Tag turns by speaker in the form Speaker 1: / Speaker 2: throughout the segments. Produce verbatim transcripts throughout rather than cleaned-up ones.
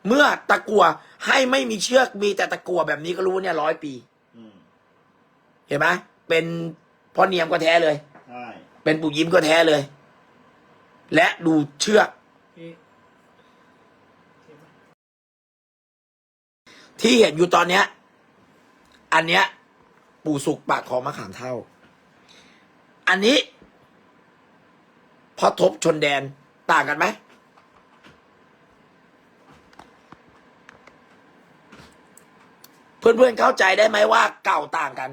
Speaker 1: เมื่อตะกั่วให้ไม่มีเชือกมีแต่ตะกั่วแบบนี้ก็รู้เนี่ยร้อยปีเห็นไหมเป็นพ่อเนียมก็แท้เลยใช่เป็นปู่ยิ้มก็แท้เลย และดูเชือกที่เห็นอยู่ตอนเนี้ยอันเนี้ยปู่สุกปากของมะขามเท่าอันนี้พอทบชนแดนต่างกันไหมเพื่อนๆเข้าใจได้ไหมว่าเก่าต่างกัน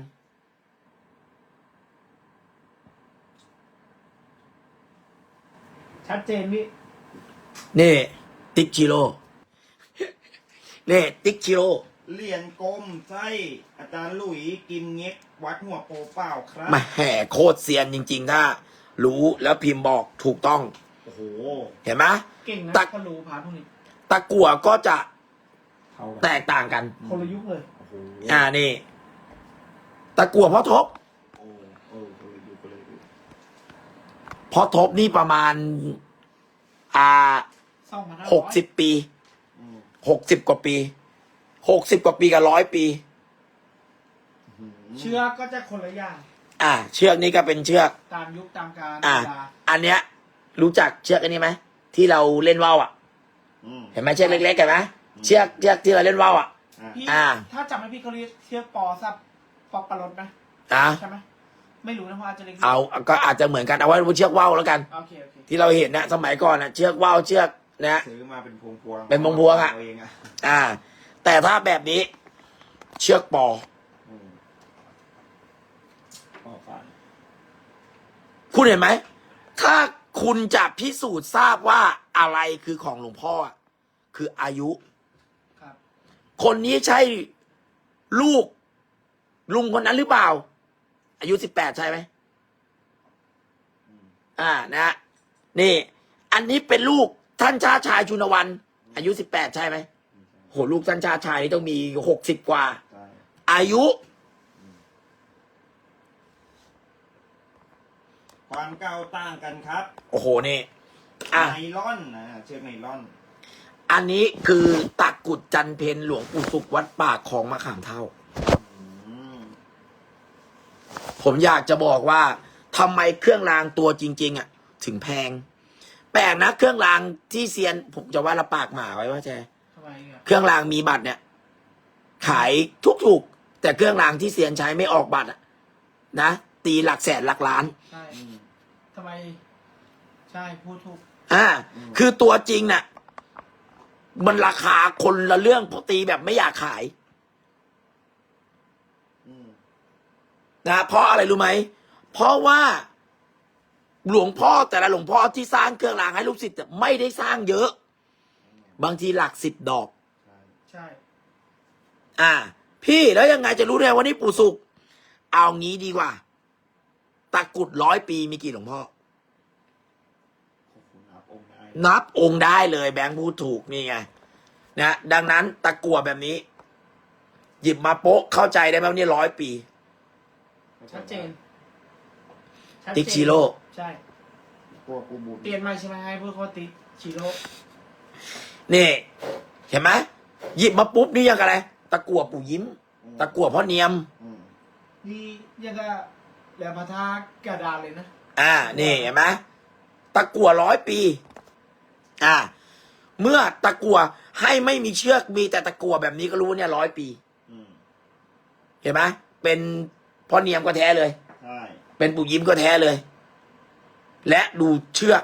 Speaker 2: ชัดเจนพี่
Speaker 1: นี่ติ๊กชิโร่นี่ติ๊กชิโร่
Speaker 3: เหรียญกลมไส้อาจารย์หลุยกิมเง็กวัดหัวโปเปล่าครับ
Speaker 1: มาแห่โคตรเซียนจริงๆถ้ารู้แล้วพิมพ์บอกถูกต้อง
Speaker 3: โอ้โห
Speaker 1: เห็นไหม
Speaker 2: เก่งนะ
Speaker 1: ตะ
Speaker 2: ก็รู้พาพวกนี้
Speaker 1: ตะกั่วก็จะแตกต่างกัน
Speaker 2: คนละยุคเลย
Speaker 1: อ่านี่ตะกั่วพ่อทบพ่อทบนี่ประมาณอ่าหกสิบปีหกสิบกว่าปีหกสิบกว่าปีกับร้อยปี
Speaker 2: เชือกก็จะคนละอย่าง
Speaker 1: อ่าเชือกนี้ก็เป็นเชือก
Speaker 2: ตามยุคตามกาล
Speaker 1: อ่าอันเนี้ยรู้จักเชือกอันนี้ไหมที่เราเล่นว่าวอ่ะเห็นไหมเชือกเล็กๆเห็นไหมเชือกเชือกที่เราเล่นว่าวอ่ะ
Speaker 2: อ่าถ้าจำไม่พี่เขาเรียกเชือกปอซับปอปลารถไหม
Speaker 1: อ่า
Speaker 2: ใช่ไหมไม่รู้นะเพราะอาจจะเล็ก
Speaker 1: เอาก็อาจจะเหมือนกันเอาไว้เชือกว่าวแล้วกัน
Speaker 2: โอเคโอเค
Speaker 1: ที่เราเห็นนะสมัยก่อนนะเชือกว่าวเชือกนะ
Speaker 3: ซื้อมาเป็นพวงพวง
Speaker 1: เป็นพวงพวงอ่ะอ่าแต่ถ้าแบบนี้เชือกปอคุณเห็นไหมถ้าคุณจะพิสูจน์ทราบว่าอะไรคือของหลวงพ่อคืออายุคนนี้ใช่ลูกลุงคนนั้นหรือเปล่าอายุสิบแปดใช่ไหมอ่านะนี่อันนี้เป็นลูกท่านชาชายชุนวันอายุสิบแปดใช่ไหมโหลูกท่านชาชายนี่ต้องมีหกสิบกว่าอายุ
Speaker 3: ความเก่าต่างกันครับ
Speaker 1: โอ้โหนี่
Speaker 3: อ่ะไนลอนนะเชือกไนลอน
Speaker 1: อันนี้คือตะกุดจันเพนหลวงปู่สุขวัดป่าของมะขามเท่าผมอยากจะบอกว่าทำไมเครื่องรางตัวจริงๆอ่ะถึงแพงแปลกนะเครื่องรางที่เซียนผมจะว่าละปากหมาไว้ว่าแจเครื่องรางมีบัตรเนี่ยขายทุกๆแต่เครื่องรางที่เซียนใช้ไม่ออกบัตรอ่ะนะตีหลักแสนหลักล้าน
Speaker 2: ใช่ทำไมใช่พูดถูก
Speaker 1: อ่าคือตัวจริงน่ะมันราคาคนละเรื่องพอตีแบบไม่อยากขายนะเพราะอะไรรู้ไหมเพราะว่าหลวงพ่อแต่ละหลวงพ่อที่สร้างเครื่องรางให้ลูกศิษย์ไม่ได้สร้างเยอะบางทีหลักสิบดอก
Speaker 2: ใช่
Speaker 1: อ่าพี่แล้วยังไงจะรู้ได้ว่านี่ปู่สุขเอางี้ดีกว่าตะกุดร้อยปีมีกี่หลวงพ่อนับองค์ได้เลยแบงค์พูดถูกนี่ไงนะดังนั้นตะกั่วแบบนี้หยิบมาโป๊ะเข้าใจได้ไหมว่านี่ร้อยปี
Speaker 2: ชัดเจน
Speaker 1: ติ๊กชิโร่
Speaker 2: ใช่เปลี่ยนใหม่ใช่ไหมให้พวกเขาติ๊กชิโร่
Speaker 1: นี่เห็นไหมหยิบมาปุ๊บนี่ยังอะไรตะกั่วปู่ยิ้มตะกั่วพ่อเนียม
Speaker 2: นี่ยังก็แหลมพระธาตุกระดานเลยนะ
Speaker 1: อ่านี่เห็นไหมตะกั่วร้อยปีอ่าเมื่อตะกั่วให้ไม่มีเชือกมีแต่ตะกั่วแบบนี้ก็รู้เนี่ยร้อยปีเห็นไหมเป็นพ่อเนียมก็แท้เลยใช่เป็นปู่ยิ้มก็แท้เลย และดูเชือก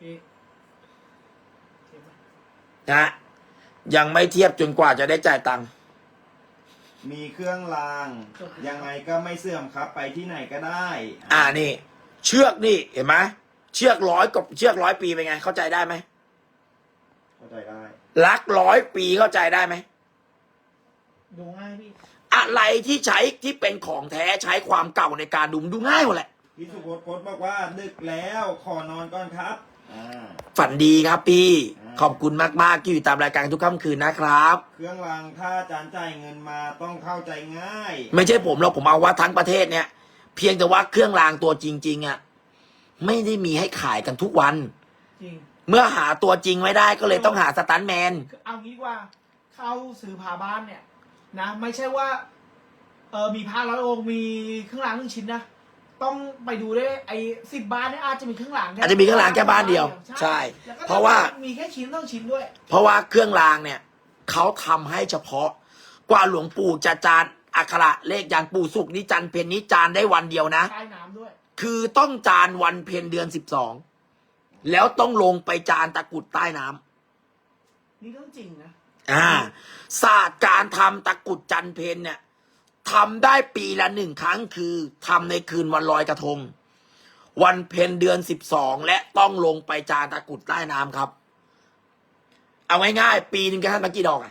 Speaker 1: นะยังไม่เทียบจนกว่าจะได้จ่ายตังค์
Speaker 3: มีเครื่องรางยังไงก็ไม่เสื่อมครับ ไปที่ไหนก็ได้
Speaker 1: อ่านี่เชือกนี่เห็นไหมเชือกร้อยกับเชือกร้อยปีเป็นไงเข้าใจได้ไหม
Speaker 3: เข้าใจได้
Speaker 1: รักร้อยปีเข้าใจได้ไหม
Speaker 2: ดูง่ายพี่
Speaker 1: อะไรที่ใช้ที่เป็นของแท้ใช้ความเก่าในการดูดูง่ายหมดแหละ
Speaker 3: พี่สุพจน์โพสต์บอกว่าดึกแล้วขอนอนก่อนครับ
Speaker 1: ฝันดีครับพี่ขอบคุณมากๆที่อยู่ตามรายการทุกค่ำคืนนะครับ
Speaker 3: เครื่องรางถ้าอาจารย์จ่ายเงินมาต้องเข้าใจง่าย
Speaker 1: ไม่ใช่ผมหรอกผมเอาว่าทั้งประเทศเนี่ยเพียงแต่ว่าเครื่องรางตัวจริงๆอ่ะไม่ได้มีให้ขายกันทุกวันจริงเมื่อหาตัวจริงไม่ได้ก็เลยต้องหาสตันท์แมน
Speaker 2: เอางี้ดีกว่าเข้าซื้อพาบ้านเนี่ยนะ ไม่ใช่ว่าเออมีพาร้อยองค์มีเครื่องรางหนึ่งชิ้นนะต้องไปดูด้วยไอ้สิบบ้านเนี่ยอาจจะมีเครื่องรางแค่
Speaker 1: อาจจะมีเครื่องรางแค่บ้านเดียวใช่
Speaker 2: แล้วก็
Speaker 1: เพราะว่า
Speaker 2: มีแค่ชิ้นต้องชิ้นด้วย
Speaker 1: เพราะว่าเครื่องรางเนี่ยเขาทำให้เฉพาะกว่าหลวงปู่จะจานอักขระเลขยันปู่สุกนิจันเพนนิจานได้วันเดียวนะ
Speaker 2: ใต้น้ำด้วย
Speaker 1: คือต้องจานวันเพ็ญเดือนสิบสองแล้วต้องลงไปจานตะกรุดใต้น้ำ
Speaker 2: นี่เรื่องจริงนะ
Speaker 1: อ่าศาสตร์การทำตะกรุดจันเพนเนี่ยทำได้ปีละหนึ่งครั้งคือทำในคืนวันลอยกระทง วันเพ็ญเดือนสิบสองและต้องลงไปจานตะกรุดใต้น้ำครับ เอาง่ายๆปีหนึ่งแค่ท่านมากี่ดอกอ่ะ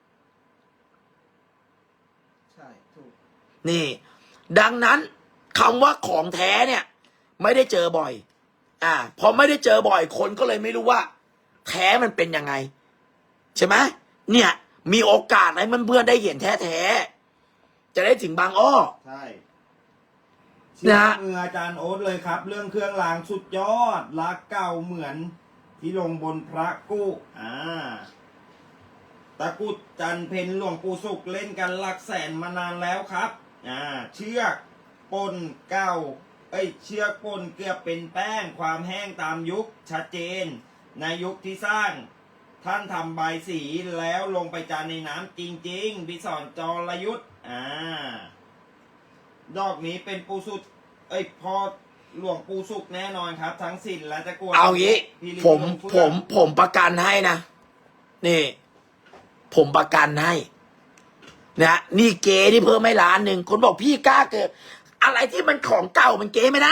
Speaker 2: ใช่ถูก
Speaker 1: นี่ ดังนั้นคำว่าของแท้เนี่ย ไม่ได้เจอบ่อย อ่าพอไม่ได้เจอบ่อยคนก็เลยไม่รู้ว่า แท้มันเป็นยังไง ใช่ไหมเนี่ย มีโอกาสให้เพื่อนๆได้เห็นแท้ๆจะได้ถึงบางอ้อ
Speaker 3: ใช่เชื่อ
Speaker 1: นะ
Speaker 3: มืออาจารย์โอ๊ตเลยครับ เรื่องเครื่องรางสุดยอดรักเก่าเหมือนที่ลงบนพระกู้อ่าตะกรุดจันเพนหลวงปู่สุขเล่นกันหลักแสนมานานแล้วครับอ่าเชือกปนเก้าเอ้ยเชือกปนเกือบเป็นแป้งความแห้งตามยุคชัดเจน ในยุคที่สร้าง ท่านทำใบายสีแล้วลงไปจานในน้ำจริงๆพิสอนจรยุทธ์อ่าดอกนี้เป็นปูสุดเอ้ยพอหลวงปูสุกแน่นอนครับ ทั้งสินและตะกั่ว
Speaker 1: เอางี้
Speaker 3: พี่ลิ
Speaker 1: ผม
Speaker 3: ลงเฟื่
Speaker 1: ผ
Speaker 3: อง
Speaker 1: มผมประกันให้นะนี่ ผมประกันให้นะนี่เก๋ที่เพิ่มไม่ล้านหนึ่งคนบอกพี่กล้าเกิดอะไรที่มันของเก่ามันเก๋ไม่ได้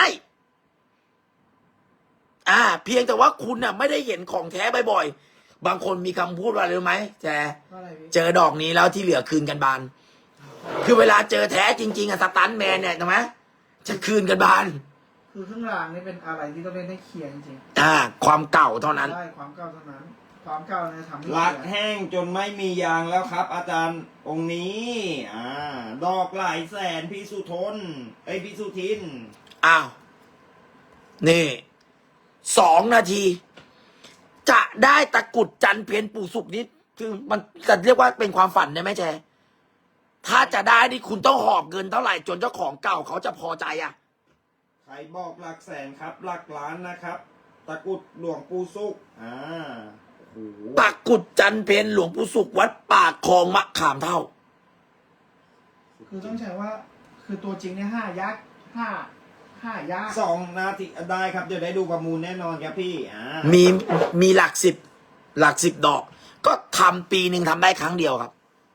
Speaker 1: อ่า เพียงแต่ว่าคุณน่ะ ไม่ได้เห็นของแท้บ่อยๆบางคนมีคำพูดว่าอะไรรู้ไหมแจ
Speaker 2: ว่าอะไรพี่
Speaker 1: เจอดอกนี้แล้วที่เหลือคืนกันบาน คือเวลาเจอแท้จริงๆอะสตันท์แมนเนี่ยใช่ไหมจะคืนกันบาน
Speaker 2: คือเครื่องรางนี่เป็นอะไรที่ต้องเล่นให้เคลียร์จริง
Speaker 1: อ่า ความเก่าเท่านั้น
Speaker 2: ๆใช่ความเก่าเท่านั้น ความเก่าเนี่ยทำให้
Speaker 3: ลัก
Speaker 2: เคลียร์
Speaker 3: แห้งจนไม่มียางแล้วครับ อาจารย์องค์นี้อ่าดอกหลายแสนพี่สุทนไอยพี่สุทิน
Speaker 1: อ้าว นี่สองนาที จะได้ตะกรุดจันเพนปู่สุกนี้คือมันจะเรียกว่าเป็นความฝันได้ไหมแจถ้าจะได้นี่คุณต้องหอบเงินเท่าไหร่จนเจ้าของเก่าเขาจะพอใจอ่ะ
Speaker 3: ใครบอกหลักแสนครับ หลักล้านนะครับ ตะกรุดหลวงปู่สุกอ่าโอ้โห
Speaker 1: ตะกรุดจันเพนหลวงปู่สุกวัดปากคลองมะขามเท่า
Speaker 2: คือต้องใช้ว่า คือตัวจริงเนี่ยห้ายากห้าห้ายาก
Speaker 3: สองนาทีได้ครับเดี๋ยวได้ดูประมูลแน่นอนครับพี่อ่า
Speaker 1: มีมีหลักสิบหลักสิบดอก ก็ทำปีหนึ่งทำได้ครั้งเดียวครับ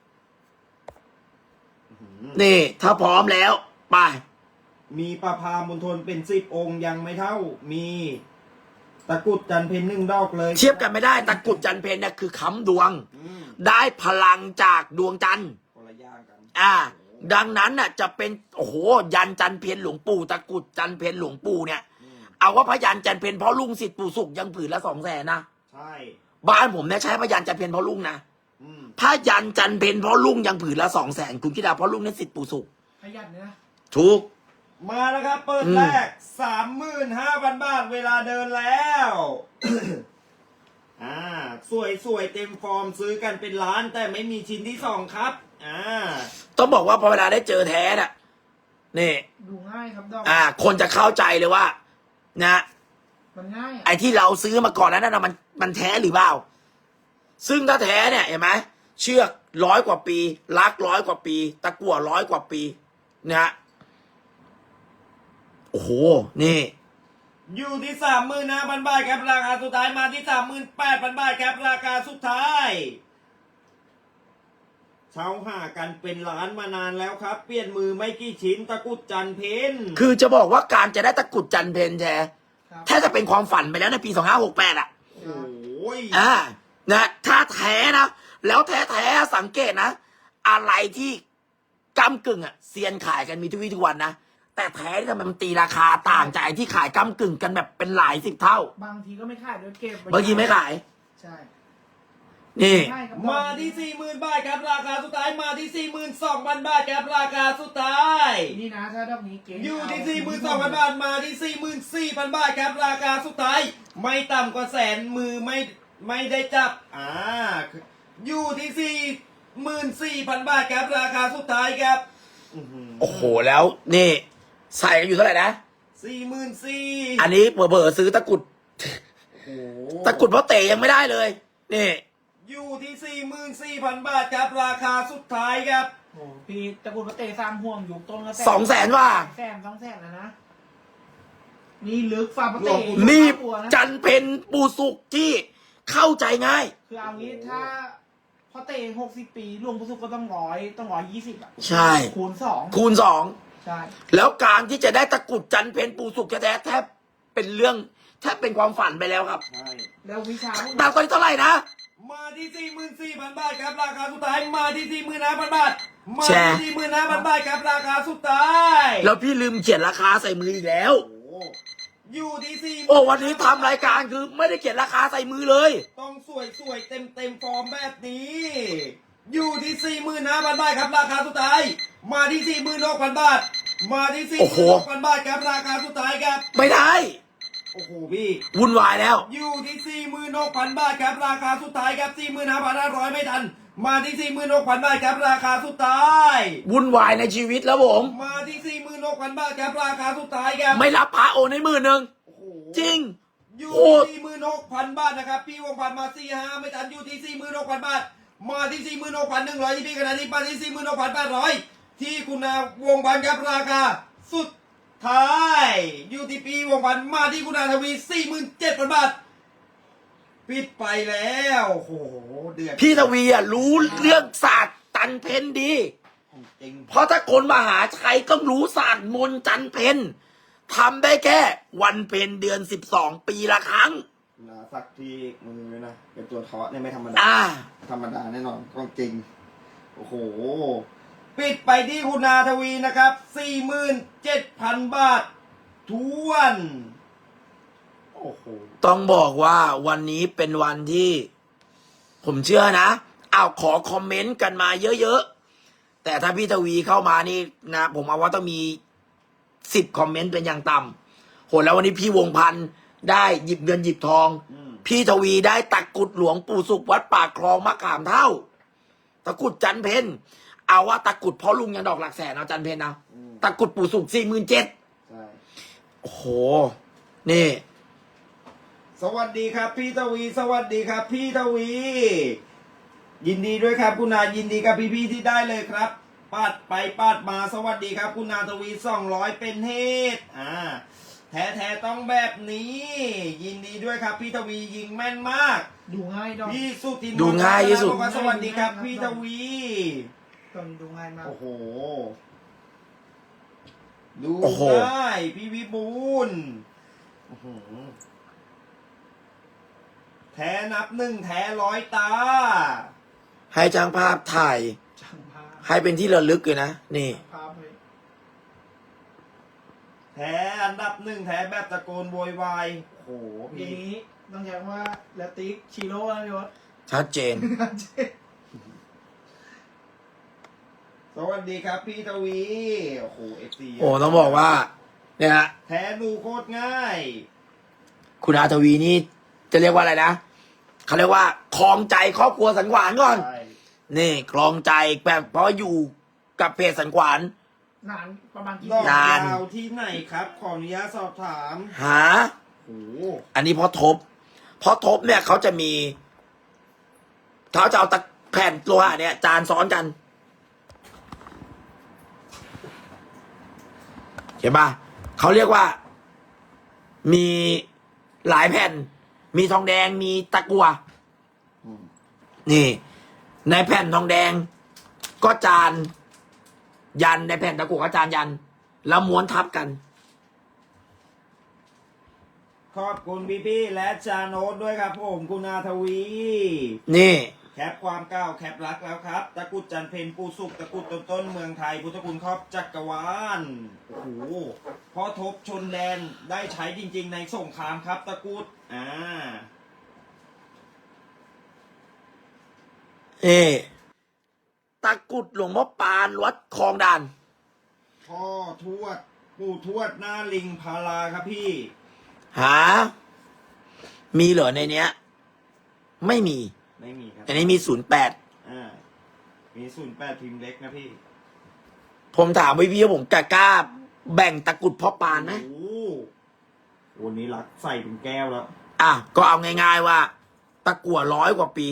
Speaker 1: นี่ ถ้าพร้อมแล้ว ไป
Speaker 3: มีประพามณฑลเป็นสิบองค์ยังไม่เท่า มีตะกรุดจันเพนหนึ่งดอกเลย
Speaker 1: เทียบกันไม่ได้ตะกรุดจันเพนเนี่ยคือค้ำดวง
Speaker 3: อืม
Speaker 1: ได้พลังจากดวงจันทร์
Speaker 3: คนละอย่างกัน
Speaker 1: อ่า ดังนั้นน่ะ จะเป็นโอ้โหยันจันเพนหลวงปู่ตะกรุดจันเพนหลวงปู่เนี่ย
Speaker 3: อืม
Speaker 1: เอาว่าพยันจันเพนเพราะลุงสิทธิ์ปู่สุกยังผืนละสองแสนนะ
Speaker 3: ใช่
Speaker 1: บ้านผมเนี่ยใช้พยันจันเพนเพราะลุงนะ
Speaker 3: อืม
Speaker 1: พยันจันเพนเพราะลุงยังผืนละสองแสนคุณคิดเอาเพราะลุงเนี่ยสิทธิ์ปู่สุก
Speaker 2: ขยันเนี่ยนะ
Speaker 1: ถูก
Speaker 3: มาแล้วครับ เปิด
Speaker 1: อืม
Speaker 3: แรกสามหมื่นห้าพันบาทเวลาเดินแล้ว อ่า สวยสวยเต็มฟอร์มซื้อกันเป็นล้านแต่ไม่มีชิ้นที่สองครับ อ่า
Speaker 1: ต้องบอกว่าพอเวลาได้เจอแท้น่ะนี่
Speaker 2: ดูง่ายครับดอก
Speaker 1: อ่า คนจะเข้าใจเลยว่า นะ
Speaker 2: มันง่าย
Speaker 1: ไอ้ที่เราซื้อมาก่อนนั้นน่ะมันมันแท้หรือเปล่า ซึ่งถ้าแท้เนี่ยเห็นไหมเชือกร้อยกว่าปีลักร้อยกว่าปี ตะกั่วร้อยกว่าปีนะฮะโอ้โห นี่
Speaker 3: อยู่ที่สามหมื่นห้าพันบาทครับราคาสุดท้ายมาที่สามหมื่นแปดพันบาทครับราคาสุดท้ายเช่าหากันเป็นล้านมานานแล้วครับ เปลี่ยนมือไม่กี่ชิ้นตะกรุดจันเพน
Speaker 1: คือจะบอกว่าการจะได้ตะกรุดจันเพนแท้
Speaker 2: ครับ
Speaker 1: แทบจะเป็นความฝันไปแล้วในปีสองห้าหกแปดอ่ะ
Speaker 3: โอ้ย
Speaker 1: อ่า นะ ถ้าแท้นะ แล้วแท้แท้ๆสังเกตนะ อะไรที่กำกึ่งอ่ะเซียนขายกันมีทุกวี่ทุกวันนะ แต่แท้ที่ทำไมมันตีราคาต่างจากไอ้ที่ขายกำกึ่งกันแบบเป็นหลายสิบเท่า
Speaker 2: บางทีก็ไม่ขายด้วยเก็บว้
Speaker 1: บางทีไม่ขาย
Speaker 2: ใช่
Speaker 1: นี่
Speaker 2: ง่ายครับ
Speaker 3: มาที่สี่หมื่นบาทครับราคาสุดท้ายมาที่สี่หมื่นสองพันบาทครับราคาสุดท้าย
Speaker 2: นี่นะถ้าดอกนี้เก๋
Speaker 3: อยู่ที่สี่หมื่นสองพันบาทมาที่สี่หมื่นสี่พันบาทครับราคาสุดท้ายไม่ต่ำกว่าแสนมือไม่ไม่ได้จับอ่าอยู่ที่สี่หมื่นสี่พันบาทครับราคาสุดท้ายครับ
Speaker 1: โอ้โหแล้วนี่ใส่กันอยู่เท่าไหร่นะ
Speaker 3: สี่หมื่นสี่
Speaker 1: อันนี้เบอร์ซื้อตะกุด
Speaker 3: โอ้โห
Speaker 1: ตะกุดเพราะเตะยังไม่ได้เลยนี่
Speaker 3: อยู่ที่สี่หมื่นสี่พันบาทครับราคาสุดท้ายครับ
Speaker 2: โอ้พี่ตระกูลพระเตสามห่วงอยู่ต้นละ
Speaker 1: สองแสนว่า
Speaker 2: แสนสองแสนแล้วนะ นี่ลึกฟาร์มพระเต
Speaker 1: นี่
Speaker 2: ตัวนะ
Speaker 1: จันเพนปูสุกที่เข้าใจง่าย
Speaker 2: คือเอางี้ถ้าพอเตะหกสิบปีรวมผู้สุกก็ต้องร้อยต้องร้อยยี่สิบอ่ะ
Speaker 1: ใช่
Speaker 2: คูณสอง
Speaker 1: คูณสอง
Speaker 2: ใช่
Speaker 1: แล้วการที่จะได้ตะกรุดจันเพนปูสุกแท้ๆแทบเป็นเรื่องแทบเป็นความฝันไปแล้วครับ
Speaker 3: ใช่
Speaker 2: แล้ววิชาพวก
Speaker 1: ดาวตอนนี้เท่าไหร่นะ
Speaker 3: มาที่สี่หมื่นสี่พันบาทครับราคาสุดท้ายมาที่สี่หมื่นห้าพันบาทมา
Speaker 1: แชร์
Speaker 3: ที่สี่หมื่นห้าพันบาทครับราคาสุดท้าย
Speaker 1: แล้วพี่ลืมเขียนราคาใส่มืออีกแล้ว
Speaker 3: โอ้โหอยู่ที่สี่
Speaker 1: โอ้วันนี้ทำรายการคือไม่ได้เขียนราคาใส่มือเลย
Speaker 3: ต้องสวยสวยเต็มเต็มฟอร์มแบบนี้ อยู่ที่สี่หมื่นห้าพันบาทครับราคาสุดท้าย มาที่สี่หมื่นหกพันบาท มาที่สี่
Speaker 1: โอ้
Speaker 3: ห
Speaker 1: โห
Speaker 3: มื่นหกพันบาทครับราคาสุดท้ายครับ
Speaker 1: ไม่ได้
Speaker 3: โอ้โหพี่
Speaker 1: วุ่นวายแล้ว
Speaker 3: อยู่ที่สี่หมื่นหกพันบาทครับราคาสุดท้ายครับสี่หมื่นห้าพันห้าร้อยไม่ทัน มาที่สี่หมื่นหกพันบาทครับราคาสุดท้าย
Speaker 1: วุ่นวายในชีวิตแล้วผม
Speaker 3: มาที่สี่หมื่นหกพันบาทครับราคาสุดท้ายครับ
Speaker 1: ไม่รับพระโอนให้หมื่นหนึ่ง
Speaker 3: โอ้โห
Speaker 1: จริง
Speaker 3: อยู่
Speaker 1: โอ้
Speaker 3: ที่สี่หมื่นหกพันบาทนะครับพี่วงพันมาสี่ห้าไม่ทันอยู่ที่สี่หมื่นหกพันบาท มาที่สี่หมื่นหกพันหนึ่งร้อยที่พี่ขณะนี้มาที่สี่หมื่นหกพันแปดร้อยที่คุณนาวงพันครับราคาสุดท้ายอยู่ที่พี่วงพันมาที่คุณนาทวีสี่หมื่นเจ็ดพันบาทปิดไปแล้วโอ้โหเดือด
Speaker 1: พี่ทวีอ่ะรู้เรื่องศาสตร์จันเพนดี
Speaker 3: จริง
Speaker 1: เพราะถ้าคนมหาชัยก็รู้ศาสตร์มนต์จันเพนทำได้แค่วันเพนเดือนสิบสองปีละครั้ง
Speaker 3: นะสักที่มือเลยนะเป็นตัวเทาะเนี่ยไม่ธรรมดา
Speaker 1: อ่า
Speaker 3: ธรรมดาแน่นอนของจริงโอ้โหปิดไปที่คุณนาทวีนะครับสี่หมื่นเจ็ดพันบาททวนโอ้โห
Speaker 1: ต้องบอกว่าวันนี้เป็นวันที่ ผมเชื่อนะอ้าวขอคอมเมนต์กันมาเยอะๆ แต่ถ้าพี่ทวีเข้ามานี่นะ ผมเอาว่าต้องมีสิบคอมเมนต์เป็นอย่างต่ำโหแล้ววันนี้พี่วงพันธ์ได้หยิบเงินหยิบทอง
Speaker 3: อืม
Speaker 1: พี่ทวีได้ตะกรุดหลวงปู่สุขวัดปากคลองมะขามเท่า ตะกรุดจันเพนเอาว่าตะกรุดพ่อลุงยังดอกหลักแสนเอาจันเพนนะ
Speaker 3: อืม
Speaker 1: ตะกรุดปู่สุขสี่หมื่นเจ็ด
Speaker 3: ใช่
Speaker 1: โอ้โห นี่
Speaker 3: สวัสดีครับพี่ทวี สวัสดีครับ พี่ทวี ยินดีด้วยครับคุณนายินดีกับพี่ๆที่ได้เลยครับปาดไปปาดมาสวัสดีครับคุณนาทวีสองร้อยเป็นเหตุอ่าแท้ๆต้องแบบนี้ ยินดีด้วยครับพี่ทวียิงแม่นมาก
Speaker 2: ดูง่ายดอก
Speaker 3: พี่สุทิน
Speaker 1: ดูง่ายที่สุด
Speaker 3: บอกว่าสวัสดีครับพี่ทวี
Speaker 2: ตอนดูง่ายมาก
Speaker 3: โอ้โห ดู
Speaker 1: โอ้โห
Speaker 3: ง่ายพี่วิบูลย์อื้อหือแท้นับหนึ่งแท้ร้อยตา
Speaker 1: ให้จ้างภาพถ่าย
Speaker 2: ช่างภาพ
Speaker 1: ให้เป็นที่ระลึกเลยนะ นี่
Speaker 2: ภาพเลย
Speaker 3: แท้อันดับหนึ่งแท้แบบตะโกนโวยวายโอ้โห
Speaker 2: ที
Speaker 3: พี่
Speaker 2: นี้ต้องใช้คำว่าแลติกชิโร่นะพี่วศ
Speaker 1: ชัดเจน
Speaker 3: สวัสดีครับพี่ทวี โอ้โหเอฟซี
Speaker 1: โอ้ต้องบอกว่า เนี่ยฮะ
Speaker 3: แท้ดูโคตรง่าย
Speaker 1: คุณอาทวีนี่จะเรียกว่าอะไรนะเขาเรียกว่าคลองใจครอบครัวสันขวานก่อน
Speaker 3: ใช่
Speaker 1: นี่คลองใจแบบเพราะอยู่กับเพจสันขวาน
Speaker 2: นานประมาณกี่
Speaker 3: ดอก
Speaker 1: นาน
Speaker 3: ยาวที่ไหนครับ ขออนุญาตสอบถาม
Speaker 1: หา
Speaker 3: โอ้โห
Speaker 1: อันนี้เพราะทบ เพราะทบเนี่ยเขาจะมีเขาจะเอาตะแผ่นโลหะเนี่ย จานซ้อนกัน เห็นปะเขาเรียกว่า มีหลายแผ่น มีทองแดงมีตะกั่ว
Speaker 3: อืม
Speaker 1: นี่ ในแผ่นทองแดง ก็จาน ยันในแผ่นตะกั่วก็จานยัน แล้วม้วนทับกัน
Speaker 3: ขอบคุณพี่พี่ๆและจาโนตด้วยครับผมคุณอาทวี
Speaker 1: นี่
Speaker 3: แคปความก้าวแคปรักแล้วครับ ตะกรุดจันเพนปูสุกตะกรุดต้นต้นเมืองไทย พุทธคุณครอบจักรวาล โอ้โหพอทบชนแดนได้ใช้จริงๆในสงครามครับ ตะกรุด อ่า
Speaker 1: เอตะกรุดหลวงพ่อปานวัดคลองด่าน
Speaker 3: พ่อทวด ปู่ทวดหน้าลิงพาราครับพี่
Speaker 1: หามีเหรอในเนี้ย ไม่มี
Speaker 3: ไม่มีครับ
Speaker 1: อันนี้มีศูนย์แปด
Speaker 3: อ่ามีศูนย์แปดพิมพ์เล็กนะพี่
Speaker 1: ผมถามพี่พี่ว่าผมกล้าแบ่งตะกรุดพ่อปานไหม
Speaker 3: โอ้โหวันนี้รักใส่เป็นแก้วแล้ว
Speaker 1: อ่ะก็เอาง่ายๆว่า ตะกั่วร้อยกว่าปี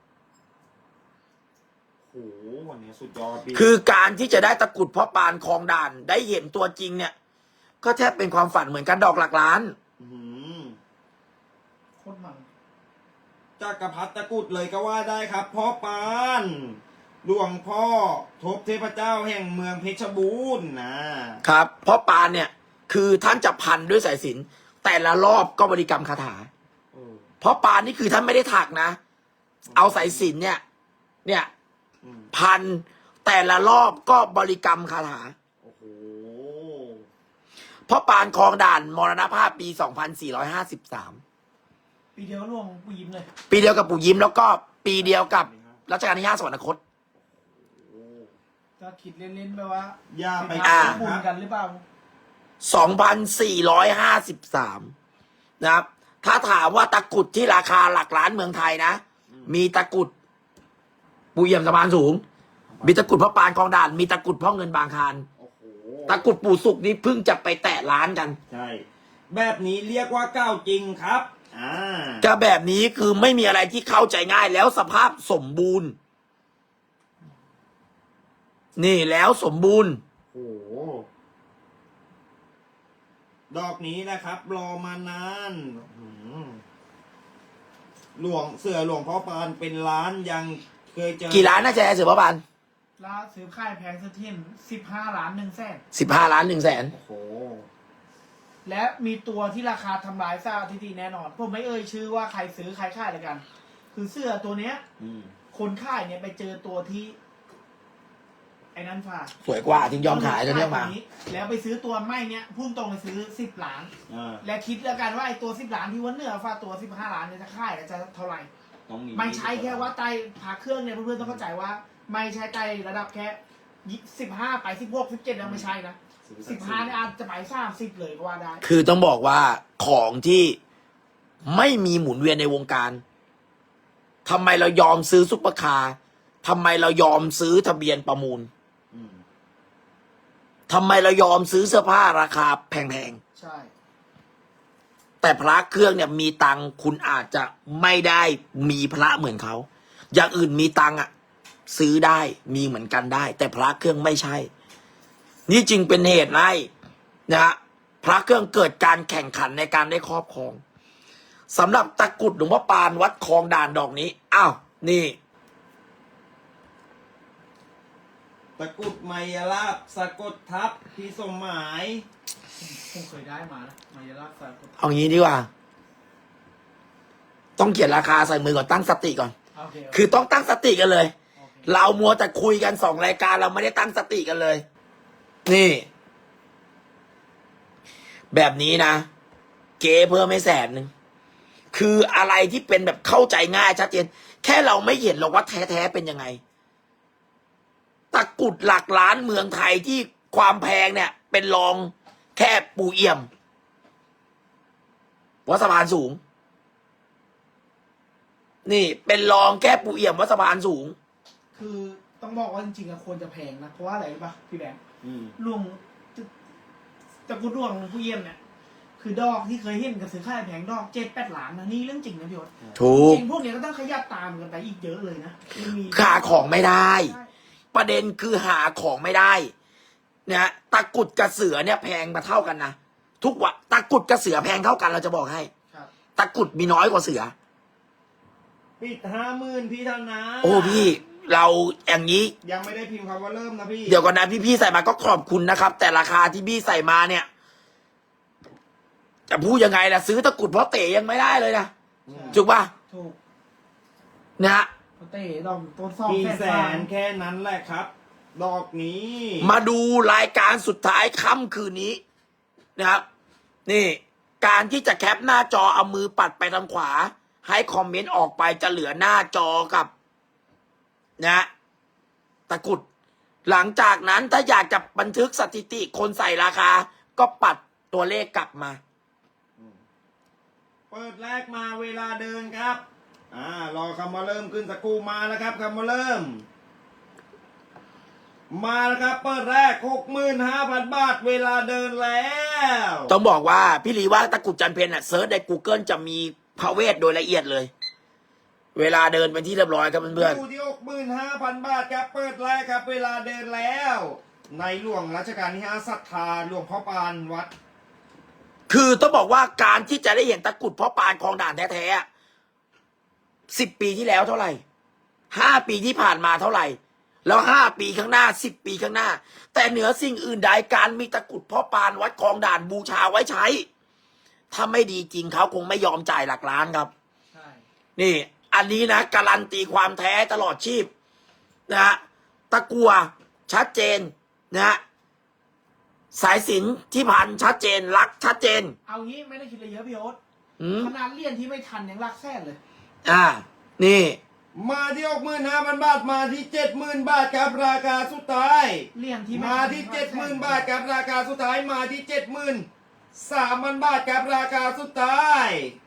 Speaker 3: โอ้โหวันนี้สุดยอดพี่
Speaker 1: คือการที่จะได้ตะกรุดพ่อปานคลองด่าน ได้เห็นตัวจริงเนี่ย ก็แทบเป็นความฝันเหมือนกันดอกหลักล้าน
Speaker 3: อื้อหือ
Speaker 2: โคตรมัน
Speaker 3: จักรพรรดิตะกรุดเลยก็ว่าได้ครับพ่อปาน หลวงพ่อทบเทพเจ้าแห่งเมืองเพชรบูรณ์นะครับ
Speaker 1: พ่อปานเนี่ย คือท่านจะพันด้วยสายสิญจนแต่ละรอบก็บริกรรมคาถา
Speaker 3: โอ้
Speaker 1: เพราะปานนี่คือท่านไม่ได้ถักนะ เอาสายสิญจนเนี่ย เนี่ย
Speaker 3: อืม
Speaker 1: พันแต่ละรอบก็บริกรรมคาถา
Speaker 3: โอ้โห
Speaker 1: เพราะปานคลองด่านมรณภาพปี สองพันสี่ร้อยห้าสิบสาม
Speaker 2: ปีเดียวล่วงกูยิ้มเลย
Speaker 1: ปีเดียวกับปู่ยิ้มแล้วก็ปีเดียวกับรัชกาลที่ห้าสวรรคต
Speaker 3: โอ้
Speaker 2: ก็คิดเล่นๆไปว่า
Speaker 3: อย่าไป
Speaker 1: อ่า
Speaker 3: คิด
Speaker 2: บุญ
Speaker 3: ครับ
Speaker 2: กันหรือเปล่า
Speaker 1: สองพันสี่ร้อยห้าสิบสาม นะครับ ถ้าถามว่าตะกรุดที่ราคาหลักล้านเมืองไทยนะ มีตะกรุดปูเยี่ยมสะพานสูง มีตะกรุดพ่อปานคลองด่าน มีตะกรุดพ่อเงินบางคาร
Speaker 3: โอ้โห
Speaker 1: ตะกรุดปู่สุกนี่เพิ่งจะไปแตะล้านกัน
Speaker 3: ใช่ แบบนี้เรียกว่าก้าวจริงครับ อ่า
Speaker 1: ก็แบบนี้คือไม่มีอะไรที่เข้าใจง่ายแล้วสภาพสมบูรณ์ นี่แล้วสมบูรณ์
Speaker 3: โอ้โห ดอกนี้นะครับ รอมานานอื้อหือหลวงเสือหลวงพ่อปานเป็นล้านยังเคยเจอ
Speaker 1: กี่ล้านนะแจ๊เสือพ่อปาน
Speaker 2: ล่าซื้อค่ายแพงสถินสิบห้าล้านหนึ่งแสน
Speaker 1: สิบห้าล้านหนึ่งแสน
Speaker 3: โอ้โห
Speaker 2: และมีตัวที่ราคาทำลายสถิติแน่นอน ผมไม่เอ่ยชื่อว่าใครซื้อใครขายเลยกัน คือเสื้อตัวเนี้ย
Speaker 3: อืม
Speaker 2: คนขายเนี่ยไปเจอตัวที่ ไอ้นั่นฝาก
Speaker 1: สวยกว่าถึงยอมขายตัวเนี้ยมา
Speaker 2: แล้วไปซื้อตัวไม่เนี้ยพุ่งตรงไปซื้อสิบล้าน
Speaker 3: อ่า
Speaker 2: และคิดแล้วกันว่าไอ้ตัวสิบล้านที่ว่าเหนือฝากตัวสิบห้าล้านเนี่ยจะขายแล้วจะเท่าไหร่
Speaker 3: ต้องมี
Speaker 2: ไม่ใช่แค่ว่าไตพาเครื่องเนี่ยเพื่อนๆต้องเข้าใจว่า ไม่ใช่ไตระดับแค่สิบห้าไปสิบหกสิบเจ็ดยังไม่ใช่นะสิบห้าเนี่ยอาจจะไปสามสิบเลยก็ว่าได้
Speaker 1: คือต้องบอกว่าของที่ไม่มีหมุนเวียนในวงการทำไมเรายอมซื้อซุปเปอร์คาร์ทำไมเรายอมซื้อทะเบียนประมูล
Speaker 3: อืม
Speaker 1: ทำไมเรายอมซื้อเสื้อผ้าราคาแพง
Speaker 2: ใช่
Speaker 1: ๆแต่พระเครื่องเนี่ยมีตังค์คุณอาจจะไม่ได้มีพระเหมือนเขาอย่างอื่นมีตังค์อ่ะ ซื้อได้มีเหมือนกันได้ แต่พระเครื่องไม่ใช่ นี่จึงเป็นเหตุให้นะฮะพระเครื่องเกิดการแข่งขันในการได้ครอบครองสำหรับตะกรุดหลวงพ่อปานวัดคลองด่านดอกนี้อ้าวนี่
Speaker 3: ตะกรุดไมยลาบสะกดทับพี่สมหมาย
Speaker 2: ผมผมเคยได้มานะมายาลาสารกด
Speaker 1: เอางี้ดีกว่า ต้องเขียนราคาใส่มือก่อนตั้งสติก่อน
Speaker 2: โอเค
Speaker 1: คือต้องตั้งสติกันเลย
Speaker 2: โอเค
Speaker 1: เรามัวแต่คุยกันสองรายการเราไม่ได้ตั้งสติกันเลย นี่ แบบนี้นะ เก๋เพิ่มไม่แสนหนึ่งคืออะไรที่เป็นแบบเข้าใจง่ายชัดเจนแค่เราไม่เห็นหรอกว่าแท้ๆเป็นยังไง ตะกรุดหลักล้านเมืองไทยที่ความแพงเนี่ย เป็นรองแค่ปูเอี่ยมวัดสะพานสูง นี่เป็นรองแค่ปูเอี่ยมวัดสะพานสูง
Speaker 2: คือต้องบอกว่าจริงๆอะควรจะแพงนะ เพราะว่าอะไรรู้ปะพี่แบงค์
Speaker 3: อืม
Speaker 2: หลวงตะกรุดหลวงผู้เยี่ยมเนี่ย คือดอกที่เคยเห็นกับซื้อค่ายแพงดอกเจ็ดแปดล้านนะนี่เรื่องจริงนะพี่ยศ
Speaker 1: ถู
Speaker 2: จ
Speaker 1: ก
Speaker 2: ริงพวกเนี้ยก็ต้องขยับตามกันไปอีกเยอะเลยนะมันมี
Speaker 1: หาของไม่ได้
Speaker 2: ใช่
Speaker 1: ประเด็นคือหาของไม่ได้นะฮะตะกรุดกับเสือเนี่ยแพงมาเท่ากันนะทุกวันตะกรุดกับเสือแพงเท่ากันเราจะบอกให้
Speaker 2: ครับ
Speaker 1: ตะกรุดมีน้อยกว่าเสือ
Speaker 3: ปิดห้าหมื่นพี่ธนา
Speaker 1: โอ้พี่เราอย่างนี้
Speaker 3: ยังไม่ได้พิมพ์คำว่าเริ่มนะพี่
Speaker 1: เดี๋ยวก่อนนะพี่พี่ๆใส่มาก็ขอบคุณนะครับ แต่ราคาที่พี่ใส่มาเนี่ย จะพูดยังไงล่ะซื้อตะกรุดเพราะเต๋ยังไม่ได้เลยนะ
Speaker 3: อืม
Speaker 1: ถูกป่ะ
Speaker 2: ถูก
Speaker 1: นะฮะ
Speaker 2: เต้ดอกต้นซอง
Speaker 3: กี่
Speaker 2: แส
Speaker 3: แส
Speaker 2: น
Speaker 3: นแค่นั้นแหละครับ ดอกนี้
Speaker 1: มาดูรายการสุดท้ายค่ำคืนนี้นะครับ นี่การที่จะแคปหน้าจอเอามือปัดไปทางขวา ให้คอมเมนต์ออกไปจะเหลือหน้าจอกับนะตะกรุด หลังจากนั้นถ้าอยากจะบันทึกสถิติคนใส่ราคา ก็ปัดตัวเลขกลับมา
Speaker 3: อืมเปิดแรกมาเวลาเดินครับ อ่ารอคำว่าเริ่มขึ้นสักครู่มาแล้วครับคำว่าเริ่ม มาแล้วครับเปิดแรก หกหมื่นห้าพัน บาทเวลาเดินแล้ว
Speaker 1: ต้องบอกว่าพี่ลีว่าตะกรุดจันเพญอ่ะเซิร์ชใน Google จะมีพระเวทโดยละเอียดเลย เวลาเดินเป็นที่เรียบร้อยครับเพื่อน
Speaker 3: อยู่ที่ หกหมื่นห้าพัน บาทครับเปิดแรกครับเวลาเดินแล้ว ในหลวงรัชกาลที่ห้าศรัทธาหลวงพ่อปานวัด
Speaker 1: ๆคือต้องบอกว่าการที่จะได้เห็นตะกรุดพ่อปานคลองด่านแท้ๆสิบปีที่แล้วเท่าไหร่ห้าปีที่ผ่านมาเท่าไหร่ แล้วห้าปีข้างหน้าสิบปีข้างหน้า แต่เหนือสิ่งอื่นใดการมีตะกรุดพ่อปานวัดคลองด่านบูชาไว้ใช้ ถ้าไม่ดีจริงเขาคงไม่ยอมจ่ายหลักล้านครับ
Speaker 2: ใช่
Speaker 1: นี่ อันนี้นะการันตีความแท้ตลอดชีพนะฮะตะกัวชัดเจนนะฮะสายสิญจนที่พันชัดเจนลักชัดเจน
Speaker 2: เอางี้ไม่ได้คิดอะไรเยอะพี่โอ๊ต
Speaker 1: อืม
Speaker 2: ขนาดเลี่ยนที่ไม่ทันยังรักแท้เลย
Speaker 1: อ่า นี่
Speaker 3: มาที่ หกหมื่นห้าพัน บาทมาที่ เจ็ดหมื่น บาทครับราคาสุดท้าย
Speaker 2: เลี่ยนที่ไ
Speaker 3: มาที่ เจ็ดหมื่น บาทครับราคาสุดท้ายมาที่ เจ็ดหมื่นสามพัน บาทครับราคาสุดท้าย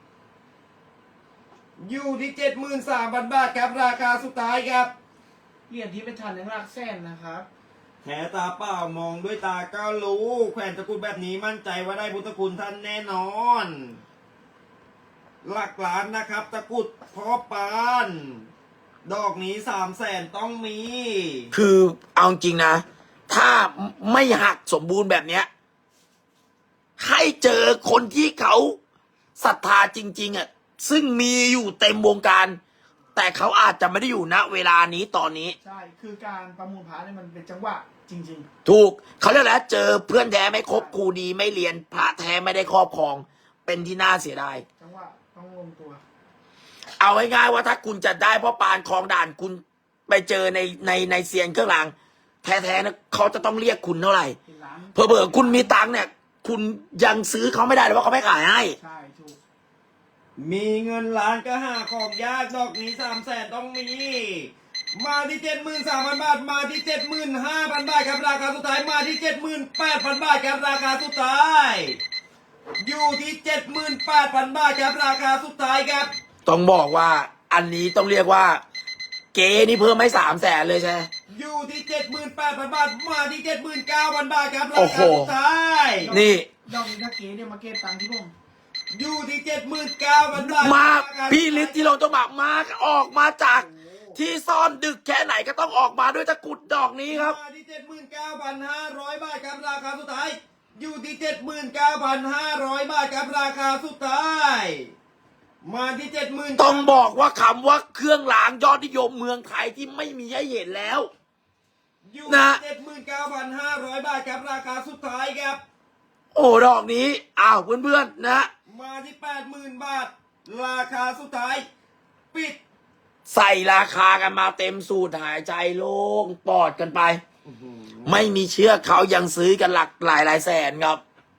Speaker 3: อยู่ที่ เจ็ดหมื่นสามพัน บาทครับราคาสุดท้ายครับ
Speaker 2: เลี่ยนที่ไม่ทันยังรักแท้นะครับ
Speaker 3: แถตาเปล่ามองด้วยตาก็รู้แขวนตะกรุดแบบนี้มั่นใจว่าได้พุทธคุณท่านแน่นอน หลักล้านนะครับ ตะกรุดพ่อปานดอกนี้สามแสนต้องมี
Speaker 1: คือเอาจริงนะ ถ้าไม่หักสมบูรณ์แบบเนี้ยให้เจอคนที่เขาศรัทธาจริง ๆอ่ะซึ่งมีอยู่เต็มวงการ แต่เขาอาจจะไม่ได้อยู่ณเวลานี้ตอนนี้
Speaker 2: ใช่ คือการประมูลพระเนี่ยมันเป็นจังหวะจริง
Speaker 1: ถูกเขาเรียกแล้วเจอเพื่อนแท้ไม่คบครูดีไม่เรียนพระแท้ไม่ได้ครอบครอง เป็นที่น่าเสียดาย
Speaker 2: ๆ จังหวะต้องลงตัว
Speaker 1: เอาง่ายๆว่าถ้าคุณจะได้พ่อปานคลองด่านคุณไปเจอในในในเซียนเครื่องรางแท้ๆนะเขาจะต้องเรียกคุณเท่าไหร่
Speaker 2: เป็นล้าน
Speaker 1: เผลอๆคุณมีตังค์เนี่ย คุณยังซื้อเขาไม่ได้เลยว่าเขาไม่ขายให้
Speaker 2: ใช่ถูก
Speaker 3: มีเงินล้านก็หาของยากดอกนี้สามแสนต้องมี มาที่เจ็ดหมื่นสามพัน บาทมาที่เจ็ดหมื่นห้าพัน บาทครับราคาสุดท้ายมาที่เจ็ดหมื่นแปดพัน บาทครับราคาสุดท้าย อยู่ที่เจ็ดหมื่นแปดพัน บาทครับราคาสุดท้ายครับ
Speaker 1: ต้องบอกว่าอันนี้ต้องเรียกว่า เก๋นี่เพิ่มให้สามแสนเลยใช่ไหม
Speaker 3: อยู่ที่เจ็ดหมื่นแปดพัน บาทมาที่เจ็ดหมื่นเก้าพัน บาทครับรา
Speaker 1: โอ้
Speaker 3: คา
Speaker 1: โห
Speaker 3: สุดท้าย
Speaker 1: นี่
Speaker 2: ดอกนี้ถ้าเก๋เนี่ยมาเก็บตังค์ที่ผม
Speaker 3: อยู่ที่เจ็ดหมื่นเก้าพัน บาท
Speaker 1: มา
Speaker 3: ราคาสุดท้าย
Speaker 1: พี่ฤทธิ์ที่เราต้องบอกมาออกมาจากที่ซ่อนดึกแค่ไหนก็ต้องออกมาด้วยตะกรุดดอกนี้ครับ
Speaker 3: มาที่เจ็ดหมื่นเก้าพันห้าร้อย บาทครับราคาสุดท้าย อยู่ที่เจ็ดหมื่นเก้าพันห้าร้อย บาทครับราคาสุดท้าย มาที่เจ็ดหมื่น
Speaker 1: ต้องบอกว่าคำว่าเครื่องรางยอดนิยมเมืองไทยที่ไม่มีให้เห็นแล้ว
Speaker 3: อยู่
Speaker 1: นะ
Speaker 3: เจ็ดหมื่นเก้าพันห้าร้อย บาทครับราคาสุดท้ายครับ
Speaker 1: โอ้ดอกนี้อ้าวเพื่อนๆนะ
Speaker 3: มาที่แปดหมื่น บาท ราคาสุดท้าย ปิด
Speaker 1: ใส่ราคากันมาเต็มสูตรหายใจโล่งปอดกันไป ไม่มีเชื่อเขายังซื้อกันหลักหลายหลายแสนครับ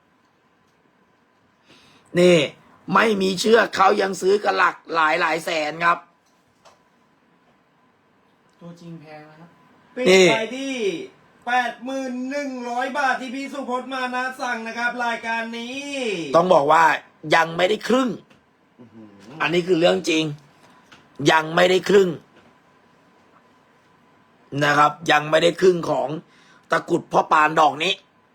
Speaker 1: นี่ ไม่มีเชื่อเขายังซื้อกันหลักหลายหลายแสนครับ
Speaker 2: ตัวจริงแพงนะครับ
Speaker 3: ปิด
Speaker 1: นี่
Speaker 3: ไปที่แปดหมื่นหนึ่งร้อย บาทที่พี่สุพจน์มานะสั่งนะครับ รายการนี้
Speaker 1: ต้องบอกว่ายังไม่ได้ครึ่ง อันนี้คือเรื่องจริง ยังไม่ได้ครึ่งนะครับ ยังไม่ได้ครึ่งของตะกรุดพ่อปานดอกนี้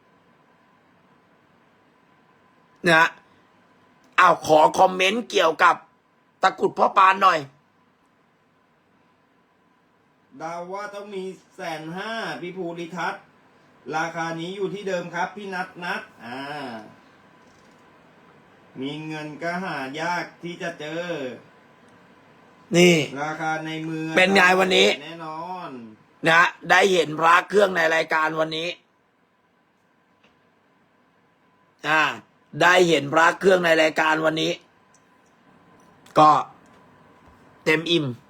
Speaker 1: นะเอาขอคอมเมนต์เกี่ยวกับตะกรุดพ่อปานหน่อย
Speaker 3: ดาวว่าต้องมีแสนห้าพี่ภูริทัศน์ ราคานี้อยู่ที่เดิมครับ พี่นัทนัทอ่า มีเงินก็หายากที่จะเจอ
Speaker 1: นี่
Speaker 3: ราคาในมือ
Speaker 1: เป็นไงวันนี้
Speaker 3: แน่นอน
Speaker 1: นะได้เห็นพระเครื่องในรายการวันนี้ อ่า ได้เห็นพระเครื่องในรายการวันนี้ ก็เต็มอิ่ม